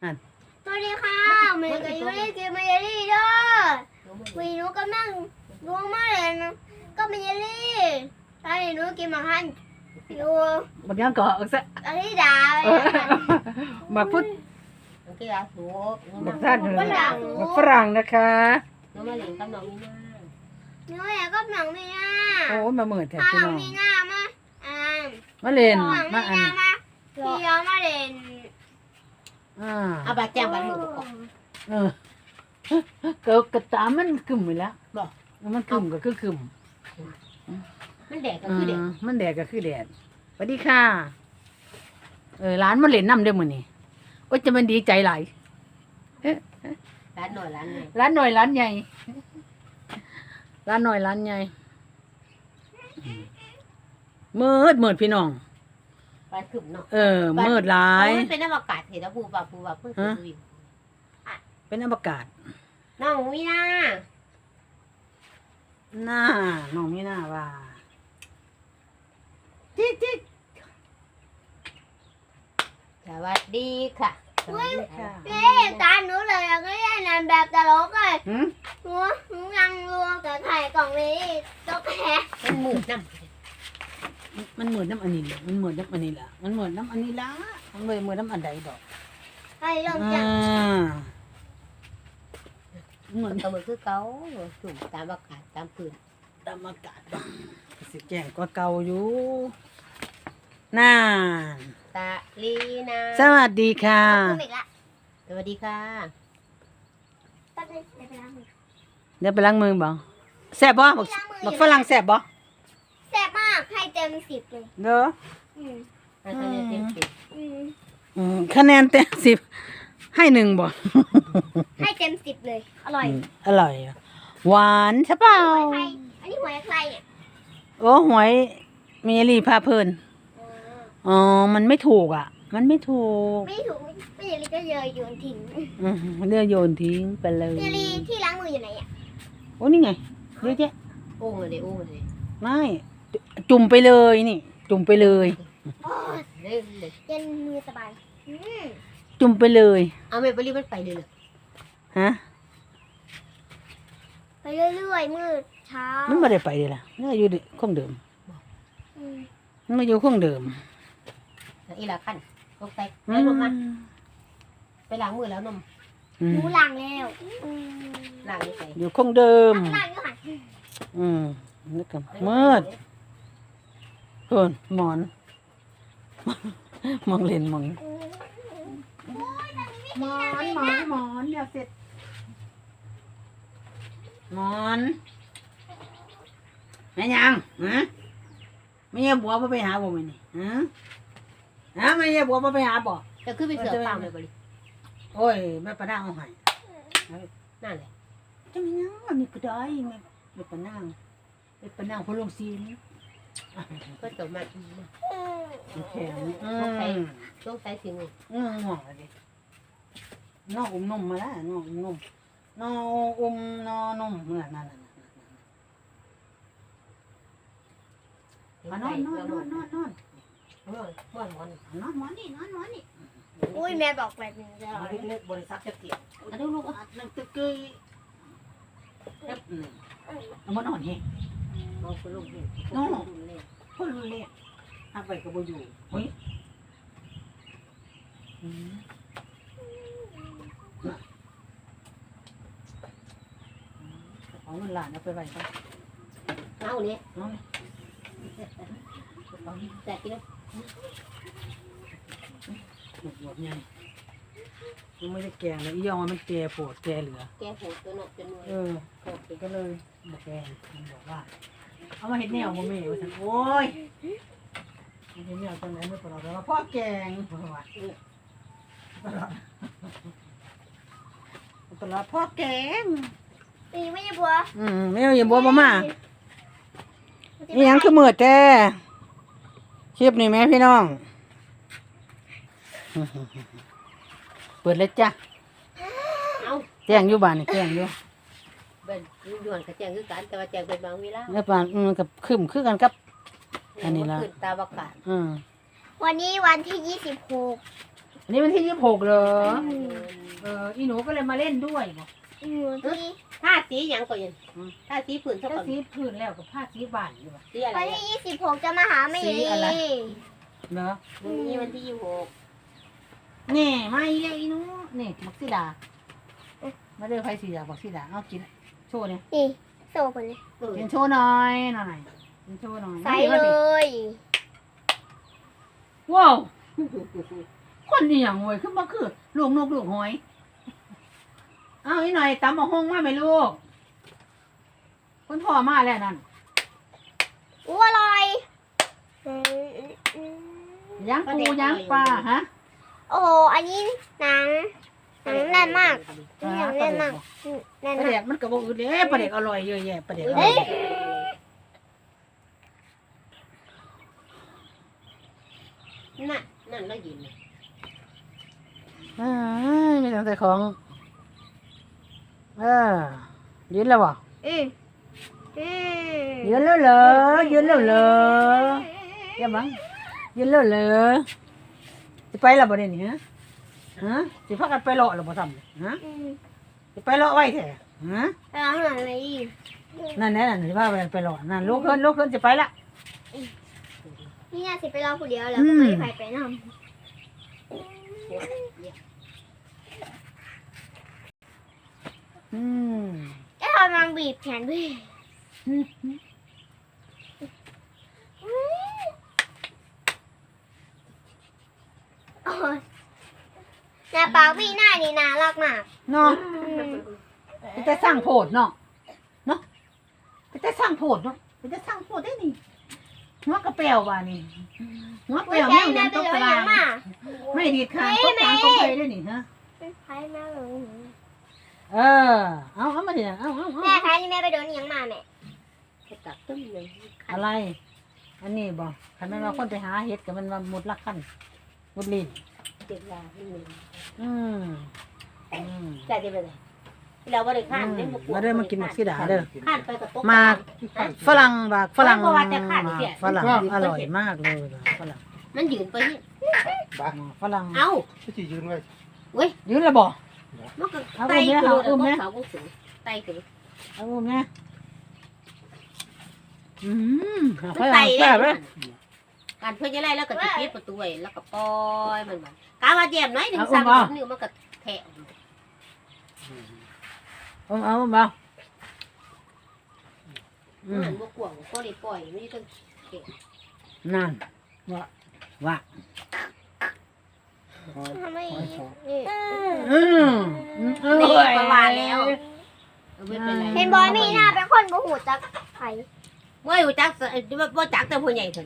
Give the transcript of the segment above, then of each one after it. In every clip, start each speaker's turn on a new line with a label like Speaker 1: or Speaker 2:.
Speaker 1: สวัสดีค่ะเมย์กับยูริกินเมย์รี่เด้อวีหนูกำลังดูมาเลยนะก็เมย์รี่ตอนนี้หนูกินมาหันอยู่
Speaker 2: บักยังก็ซะ
Speaker 1: อธิดา
Speaker 2: บักพุทธ
Speaker 3: มันก็ยาสูบ
Speaker 2: บักท่านบักฝรั่งนะคะ
Speaker 3: น้องมาเล่นกับน้องมีนา
Speaker 1: หนูอยากก็หนังมีหน้า
Speaker 2: โอ้มาเหมือนแท้
Speaker 1: ห
Speaker 2: พี่
Speaker 1: นั
Speaker 2: น้
Speaker 1: ง
Speaker 2: อง
Speaker 1: มีหน้ามา
Speaker 2: มาเล่น
Speaker 1: หนัง
Speaker 2: มา
Speaker 1: มี
Speaker 2: อั
Speaker 1: ห
Speaker 2: น
Speaker 1: น้ามาพี่ย้อนมาเล่น
Speaker 3: เอาบาดแจ้งบาดมือบอก
Speaker 2: เออก็ตามมันกึ่มไปแล้ว
Speaker 3: บอก
Speaker 2: มันกึ่มก็คือกึ่ม
Speaker 3: มันแดดก็คือแดด
Speaker 2: มันแดดก็คือแดดสวัสดีค่ะร้านมาเล่นน้ำเด้อมื้อนี้โอ้ยจะมันดีใจหลาย
Speaker 3: ร้านหน่อยร้านหนึ่ง
Speaker 2: ร้านหน่อยร้านใหญ่ร้านหน่อยร้านใหญ่มืดพี่น้อง
Speaker 3: ไปขึ้นเนาะ
Speaker 2: มืดหลาย
Speaker 3: มันเป็นอากาศเห็นแล้วปูเพิ่งขึ้นดู
Speaker 2: เป็นอวกาศ
Speaker 3: น้องมีนา
Speaker 2: หน้าน้องมีหน้าว่าจิ๊กจิ๊ก
Speaker 3: สวัสดีค่ะสวัสดีค่ะ
Speaker 1: นี่ตาหนูเลยก็เล่นนั่นแบบตลกเลย
Speaker 2: หืม
Speaker 1: หนูยังรัวกับไข่กล่องนี้ตกแฮะ
Speaker 3: มันมืดน้
Speaker 2: มันเหมือนน้ำอันนี้แหละมันเหมือนน้ำอันนี้ละมันเหมือนน้ำอันนี้ละมันเลยเหมือนน้ำอันใดดอก
Speaker 1: ไข่ลงจัง
Speaker 2: เหมือน
Speaker 3: ำตัวมือคือเก่าจุ่มตามอากาศตามพื้น
Speaker 2: ตามอากาศดอกสิแจ้งก็เก่าอยู่น่า
Speaker 3: ตาลีนา
Speaker 2: สวัสดีค่ะ
Speaker 1: อีกละ
Speaker 3: สวัสดีค่ะ
Speaker 1: แป๊บนึงเดี๋ยวไปล้างมือ
Speaker 2: เดี๋ยวไปล้างมือบ่แซ่บบ่บักฝรั่งแซ่บบ่
Speaker 1: แซ่บมากให้เต็ม10เลย
Speaker 2: เด้อ
Speaker 1: อืม
Speaker 3: ให้คะแนนเต็มสิบ
Speaker 2: คะแนนเต็ม10ให้1บ่
Speaker 1: ให้เต็ม10เลยอร่อย
Speaker 2: อร่อยหวานใช่เปล่า
Speaker 1: หวยไข่อันนี้หวยใครเนี่ย
Speaker 2: โอ้หวยเมลี่พาเพลินอ๋อมันไม่ถูกอ่ะ มันไม่ถูก
Speaker 1: ไม่ถูกไม่ยลีก็เยยโยนทิ้ง
Speaker 2: เลือกโยนทิ้งไปเลย
Speaker 1: ยลีที่ล้างมืออยู่ไหนอ่ะ
Speaker 2: โอ้นี่ไงเยอะแยะ
Speaker 3: โอ้เลยโอ้เลย
Speaker 2: ไม่จุ่มไปเลยนี่ จุ่มไปเลย
Speaker 1: โอ้ย
Speaker 3: เลย
Speaker 1: เย็นมือสบาย
Speaker 2: จุ่มไปเลย
Speaker 3: เอาไม่ไปรีบมันไปเลยเลย
Speaker 2: ฮะ
Speaker 1: ไปเรื่อยๆมืดเช้า
Speaker 2: มันไม่ได้ไปเลยล่ะมันอยู่คงเดิม
Speaker 1: อืม
Speaker 2: มันมาอยู่คงเดิม
Speaker 3: อีหลาขั้นลงไปแล้วนมมันไปล้างมือแล้วนม
Speaker 1: หนูล้างแล้วอืม
Speaker 3: ล้างนี่ไป
Speaker 2: อยู่คงเดิม
Speaker 1: ล้างอยู่หัน
Speaker 2: นึกกันมืดเพิ่นหมอน มองเล่นมองหมอนเดี๋ยวเสร็จหมอนแม่ยังฮะไม่ใช่บัวมาไปหาบ่แม่นี่ฮะไม่ใช่บัวมาไปหาบ่
Speaker 3: จะขึ้นไปเสือฟางเลยบริ
Speaker 2: โอ้ยแม่ปะนางเอาให้
Speaker 3: นั่นแหละ
Speaker 2: จะไม่ยังอันนี้ก็ได้แม่ปะนางพอลงซีน
Speaker 3: ก็จบมา
Speaker 2: แข็ง
Speaker 3: ต้องใช้ถึง
Speaker 2: ง่วงเลยดิน้องอุ้มนมมาแล้วน้องอุ้มนมน้องอุ้มน้องนมนั่นนอนหมอนนี่
Speaker 1: อุ้ยแม่บอกแบบนี้จะ
Speaker 2: เล็กๆบริษัทจะเกี่ยวดูลูกนั่งตึกเกยมันนอนเฮง
Speaker 3: มองคุณลุงเห็น
Speaker 2: คนรู้เล่อาไปก็บ่อยู่เฮ้ยเอาเงินหลานเอาไปไว้ก่อน
Speaker 3: เอาเนี่ย
Speaker 2: น้อง
Speaker 3: แต่กิน
Speaker 2: หมดไงมันไม่ได้แกงเลยอียองมันแก่ปวดแก่เหลือ
Speaker 3: แกหัวตัวหนกเป็นมวย
Speaker 2: ก็เลยบอกแกงมันบอกว่าเอามาเห็ดแนวบ่แม่ว่าซั่นโอ้ยเห็ดแนวตอนไหนไม่ปลอดแล้วพ่อแกงพ่อว่าตลอดพ่อแกง
Speaker 1: ตีไม่ใช่บัว
Speaker 2: ไม่เอาอย่าบัวมานี่ยังคือมืดแท้คลิปนี่แม่พี่น้องเปิดเลยจ้ะ
Speaker 3: เอา
Speaker 2: แจ้งอยู่บ้านนี่แจ้งอยู่
Speaker 3: เป็นย้อนกระแจงคือกันแต่ว่าแจงเป็นบางเวลา
Speaker 2: แล้วบ้านกับคึมคือกันกับ อันนี้ละ
Speaker 3: ขึ้นตาบกาศ
Speaker 1: วันนี้วันที่26
Speaker 2: อันนี้วันที่26เหรออีหนูก็เลยมาเล่นด้วยบอก
Speaker 1: ที่
Speaker 3: ผ้าสีหยังก็ยังผ้าสีผืนเท่า
Speaker 2: ถ้า
Speaker 3: กับ
Speaker 2: สีพื้นแล้วกับผ้าสีบ้านอยู่ป่ะ
Speaker 3: สีอะไร
Speaker 1: วันที่26จะมาหาแม่ลี
Speaker 2: เนาะ
Speaker 3: นี่วันที่26
Speaker 2: นี่มาอีกแล้วอีหนูนี่บักสีดามาเด้อไผสีดาบักสีดาเอากินโชว์เนี่ย
Speaker 1: นี่โซ่คนเลย
Speaker 2: กินโชว์หน่อยกินโชว์หน่อย
Speaker 1: ใส่เลย
Speaker 2: ว้าวคนนี่อย่างเว้ยคือบ่คือลูกนกลูกหอยเอาอีหน่อยตำบักฮงมาไหมลูกคนพ่อมาแล้วนั่น
Speaker 1: อู้อร่อย
Speaker 2: ย่างปูย่างปลาฮะ
Speaker 1: โอ้โหอันนี้หนังแน่นมากหนังแน่นมากแน่น
Speaker 2: ปลา
Speaker 1: มา
Speaker 2: เด็
Speaker 1: ก
Speaker 2: กมันก็บ่อืดเด้ปลาเด็กอร่อยเยอะแยะปลาเด็กอร่
Speaker 1: เฮ้
Speaker 2: อย
Speaker 1: ย
Speaker 3: นั่นแล้วยืน
Speaker 2: มีแต่ของยืนแล้วบ่
Speaker 1: อืม
Speaker 2: ยืนแล้วเหรอยืนแล้วเหรออย่าบังยืนแล้วเหรอสิไปแล้วบ่ได้นี่ฮะสิพากันไปเลาะแล้วบ่ซ้ำฮะสิไปเลาะไว้แท้ฮะ
Speaker 1: แล้วหนังอะไรอีก
Speaker 2: นั่นแหละนั่นสิพาไปเลาะนั่นลูกเพิ่นสิไปละ
Speaker 1: นี่น่าสิไปรอผู้เดียวแล้วก็ไม่ไปไปนำ ทำมันบีบแขนด้วยโอ้ยหน้าปากพี่หน้านี่น่ารักมาก
Speaker 2: เนาะมันจะสร้างโพดเนาะมันจะสร้างโพดเนาะมันจะสร้างโพดได้นี่หัวกระเปียวว่านี่หัวเปียว
Speaker 1: แม่
Speaker 2: แม่ง
Speaker 1: แม่
Speaker 2: ยัง
Speaker 1: ไป
Speaker 2: ตก
Speaker 1: เลย
Speaker 2: ตาราง
Speaker 1: มา
Speaker 2: ไม่ดีดขาตกกลางตกไปได้นี่ฮะ
Speaker 1: ใครแม่เลย
Speaker 2: เอามาดิเอา
Speaker 1: แม่ใครนี่แม่ไปโดนยังมาแม่
Speaker 3: ตักตึ้งเลย
Speaker 2: อะไร อันนี้บ่คันมันว่าคนไปหาเห็ดกับมันมามุดลักขั้นมุดลิ้น
Speaker 3: เจ็บยาให้มึง
Speaker 2: อืม
Speaker 3: ใจได้ไปเลยเราบ่ได้ข้านได้
Speaker 2: มาเด้อมากินหมักสีดาเด้อ
Speaker 3: ข้านไปกับโต๊ะ
Speaker 2: หมากฝรั่งบากฝรั่ง
Speaker 3: เพราะว่าจะขาดเสีย
Speaker 2: ฝรั่งอร่อยมากเลยฝรั่ง
Speaker 3: มันยืนไปนี่
Speaker 2: ฝรั่ง
Speaker 3: เอ้า
Speaker 4: ก็จะยืนไว้
Speaker 2: ยืนแล้วบ่
Speaker 3: มันก็ไตกระโดดเอาเสาก็สูงไตกระโดด
Speaker 2: เอาอุ้มเนี่ยฝ
Speaker 3: มัน
Speaker 2: รั่
Speaker 3: ไต
Speaker 2: ง
Speaker 3: ได้
Speaker 2: แซ่บเลย
Speaker 3: การเพื่อนจะไล่แล้วก็จะปิดประตูไว้แล้วก็ปล่อยมันมากาว่าแยมน้อยหนึ่ง3 นิ้วมันก็แทะ
Speaker 2: เอาบ่
Speaker 3: มันบ่กวางก็เลยปล่อยไม่ต้อง
Speaker 2: นั่นว่า
Speaker 1: ทำไมนี่
Speaker 3: นี่ประมาณแล้วไม่เป็นไร
Speaker 1: เห็นบอยมีหน้าเป็นคนบ่หูจักไผ
Speaker 3: ว่าอยู่จักว่าจักแต่ผู้ใหญ่ถึง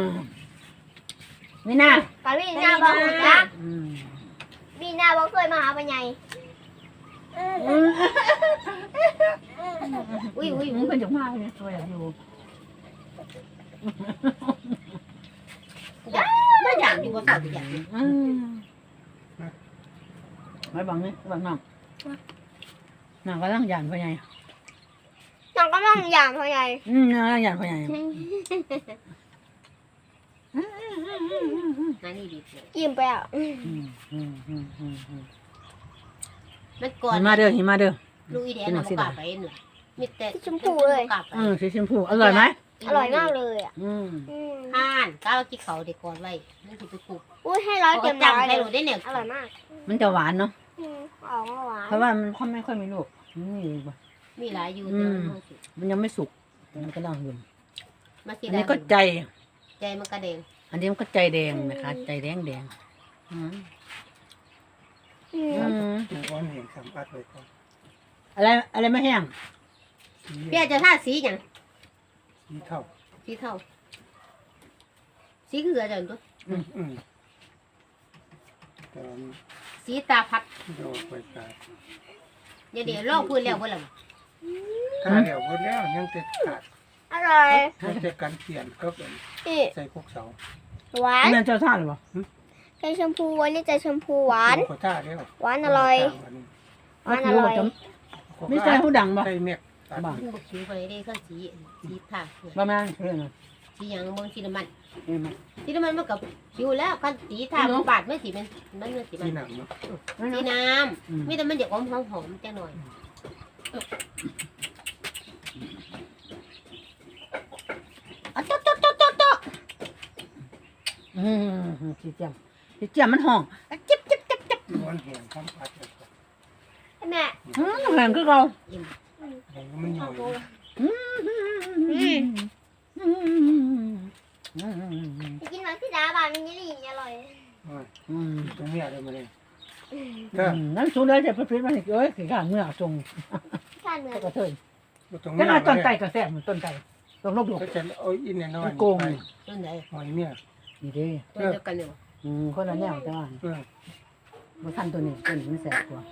Speaker 2: นี่นะ
Speaker 1: กะพี่หน้าบ่หูจักมีหน้าบ่เคยมาหาปัญญา
Speaker 3: อุ้ย
Speaker 2: มึงเป็นจังมากเลยตัวอย่างอยู่
Speaker 3: ไม่อยากอยู่บ่เศร้าอยาก
Speaker 2: ไม่บังนี่บังน้ำน้ำก็ต้องหยานพ่อใหญ่
Speaker 1: น้องก็ต้องอย่างพ่อใหญ่
Speaker 2: น้ำหยานพ่อใหญ่
Speaker 3: นั่นนี่ดีเลย
Speaker 1: ยิ้มไปอ่ะ
Speaker 3: มันก่อน
Speaker 2: หิมาเด้อหิมาเด้อ
Speaker 3: ลูกอีเดียน่ะบ่กล้าไปหน่อยมีแต่
Speaker 2: สีชมพูอร่อยไหม
Speaker 1: อร่อยมากเลยอ่ะ
Speaker 3: ห่านก้าวกินเขาเด็กก่อนไว้มันสิไปปลูก
Speaker 1: อุ้ยให้ร้อยเต็ม
Speaker 3: จั
Speaker 1: ร้อย
Speaker 3: ให้
Speaker 1: เล
Speaker 3: รู้
Speaker 1: ย
Speaker 3: ได้เนี่ย
Speaker 1: อร่อยมาก
Speaker 2: มันจะหวานเนาะ
Speaker 1: ออกมาหวาน
Speaker 2: เพราะว่ามันไม่ค่อยมีลูกนี่
Speaker 3: มีหลายอยู่แต่
Speaker 2: มันยังไม่สุกมันก็ต้องอยู่
Speaker 3: มาสิ
Speaker 2: อันนี้ก็ใจ
Speaker 3: ใจมันกระเด้ง
Speaker 2: อันนี้มันก็ใจแดงนะคะใจแดง
Speaker 4: ก้อนเห็นสัมผัสเลยก่อน
Speaker 2: อะไรไม่แห้ง
Speaker 3: พี่อาจจะทาสีหยัง
Speaker 4: สีเท่า
Speaker 3: สีเทาสีเกลือจังตัว
Speaker 4: ตอน
Speaker 3: สีตาพัด
Speaker 4: โดนไปตาย
Speaker 3: เดี๋ยวลอกพื้นแล้วบ่ล่ะ
Speaker 4: ถ้าเดี๋ยวคนแล้วยังจะขาด
Speaker 1: อร่อย
Speaker 4: ยังจะกันเปลี่ยนก็เป็น
Speaker 1: นี่
Speaker 4: ใส่พวกเสา
Speaker 1: หวาน
Speaker 2: นี่เจ้าท่าหรือเปล่า
Speaker 1: ใจชมพูวันนี้ใจชมพูหวาน
Speaker 4: โคต้าแล้ว
Speaker 1: หวานอร่อย
Speaker 2: ไม่ใช่หูดังป่ะ
Speaker 4: ใส่เม็ก
Speaker 2: บ้า
Speaker 3: มันบ่คิวไปได้เครื่องสีทา
Speaker 2: ประมาณเรื่องนะ
Speaker 3: สสีหยังเบิ่งสีน้ำมัน
Speaker 2: นี่มัน
Speaker 3: สีน้ำมันมันก็อยู่แล้วคันสีทาบาดมันสิมันสิมั
Speaker 4: ที่
Speaker 3: น
Speaker 4: หนังเนาะ
Speaker 3: สีน้ำมีแต่มันอยากหอมๆจังหน่อย
Speaker 2: อะจ๊ะสิเจียมมันห้องอะจิ๊บ
Speaker 4: ร้อนแห้งซ้ำอัดเลยก่อน
Speaker 1: แม่
Speaker 2: แหงคือเรา
Speaker 4: แห้งมันหน่อย
Speaker 1: ไปกินหลังที่ดาบานมันยี่หลีอร่อย
Speaker 4: ตรงนี้อะไรมาเลย
Speaker 2: นั่นสูงเลยจะไปพิษมันอีกเอ้ยขี้ข้าเมื่อจง
Speaker 1: ข้าเหนือ
Speaker 2: ก็เถิด
Speaker 4: ตรง
Speaker 2: แค่
Speaker 4: นี้
Speaker 2: ต้นไก่ก็แซ่บเหมือนต้นไก่ต้นนกหลก
Speaker 4: ก็จะเอาอินเนี่ยน้อย
Speaker 3: ต้นไหน
Speaker 4: หอยเนี่ย
Speaker 2: นี่ดิ
Speaker 3: ต้นเดียวกันเนี่ย
Speaker 2: คนละแนวแต่ว่าบ่ทันตัวนี้มันแซ่บกว่า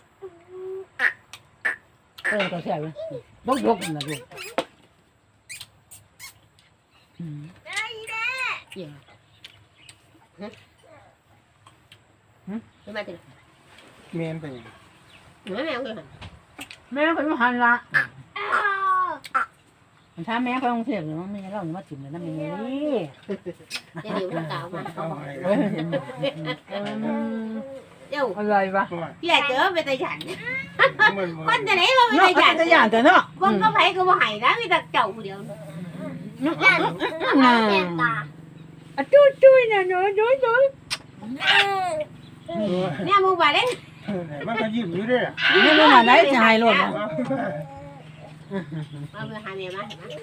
Speaker 2: ก็แซ่บเลยนกนั่นน่ะลูก
Speaker 3: เกี่ยวไม่มาถึง
Speaker 4: เมนไปอย่าง
Speaker 3: แม่เลย
Speaker 2: แม่ก็อยู่หันละมันถ้าแม่ไปกรุงเทพหรือว่าแม่เรามาถิ่มเลยนะแม่นี่
Speaker 3: เดี๋ยวมันกล่าวมา
Speaker 4: เอาหอย
Speaker 3: เดี๋ยว
Speaker 2: อะไรวะ
Speaker 3: พี่ใหญ่เจอไปตะหยัน
Speaker 4: มัน
Speaker 3: คนจะไหนมาไป
Speaker 2: เนาะ
Speaker 3: ตะหยัน
Speaker 2: จะอย่างแต่เนาะ
Speaker 3: คนก็ไผก็บ่ให้นะมีแต่เจ้าผู้เดียว
Speaker 1: ยันแสบตา
Speaker 2: จุ้ยเนี่ยน้อย
Speaker 3: เนี่ยมึงว่าเด้
Speaker 4: มันก็ยิ้มอยู่ด้วยอ่ะ
Speaker 2: นี่มันไหนจะหายรถเนาะ
Speaker 3: เอาไปหาแม่มาเห็นมั้ย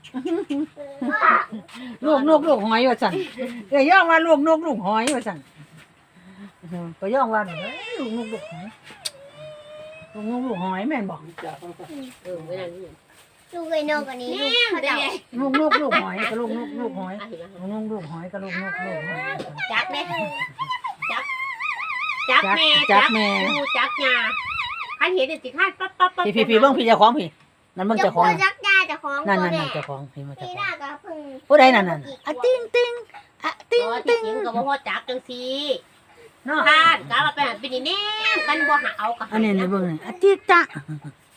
Speaker 2: ลูกหอยว่าสั่นเอ้ยย่องว่าลูกหอยว่าสั่นก็ย่องว่าลูกหอยลูกหอยแม่นบอก
Speaker 3: ไม่ได้นี่
Speaker 1: ลูกไอ้นกอันนี้
Speaker 3: นี่
Speaker 1: ลูก
Speaker 3: มันได้
Speaker 2: ลูกหอยก็ลูกหอยลูกหอยก็ลูกหอย
Speaker 3: จักเด้จักแม่ดูจักยาคันเห็นสิคาดปั๊บ
Speaker 2: พี่เบิ่งพี่เจ้าของพี่นั่นเบิ่ง
Speaker 1: จะ
Speaker 2: เจ้าข
Speaker 1: พู
Speaker 2: อง
Speaker 1: ดจักยาจะของ
Speaker 2: นั่น
Speaker 1: ตัว
Speaker 2: ๆ
Speaker 1: เนี่ย
Speaker 2: เจ้าของพี่มาเจ้า
Speaker 1: พี่
Speaker 2: ข
Speaker 1: ห
Speaker 2: อ
Speaker 1: น้าง กับพึ่ง
Speaker 2: ผู้ใดนั่นอะติ้งอะติ้ง
Speaker 3: อ๋อที่จริงก็บ่พอจักจังซี่
Speaker 2: เนาะ
Speaker 3: คาดกะว่าไปหันไปนี่แน่กันบ่หาเอากะ
Speaker 2: อันนี้เบิ่งนี่อะติ๊กตะ